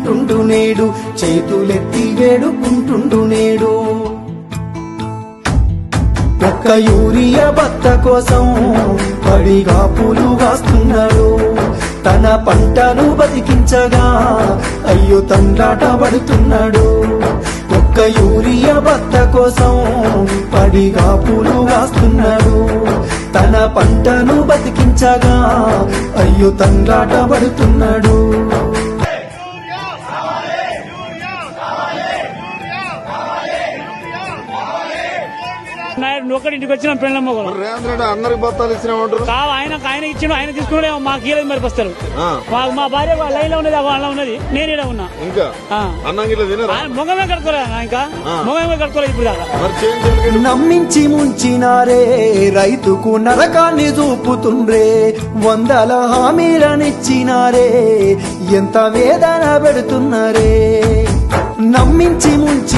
అంటుండు నేడు, చేతులెత్తి వేడుకుంటుండు నేడు. ఒక్క యూరియా బత్త కోసం పడిగా పూలు కాస్తున్నాడు, తన పంటను బతికించగా అయ్యో తండ్రాట పడుతున్నాడు. ఒక్క యూరియా బత్త కోసం పడిగా పూలు కాస్తున్నాడు, తన పంటను బతికించగా అయ్యో తండ్రాట పడుతున్నాడు. ఒకటింటికి వచ్చిన పెళ్ళ మొగలు రేవంత్ రెడ్డి అందరికి బత్తాలు ఇచ్చినామంటారు. ఆయన ఇచ్చిన ఆయన తీసుకునే మాకు ఇయ్యలేదు మరి బస్తారు. మా భార్య లైన్ లో ఉన్నది, అలా ఉన్నది, నేను ఇలా ఉన్నా. ఇంకా అన్నం మొగమే కట్టుకోలే, ఇంకా మొగమే కట్టుకోలేదు ఇప్పుడు దాకా. నమ్మించి ముంచినారే, రైతుకు నరకాన్ని చూపుతుండ్రే, వందల హామీలనిచ్చినారే, ఎంత వేదన పెడుతున్నారే. నమ్మించి ముంచి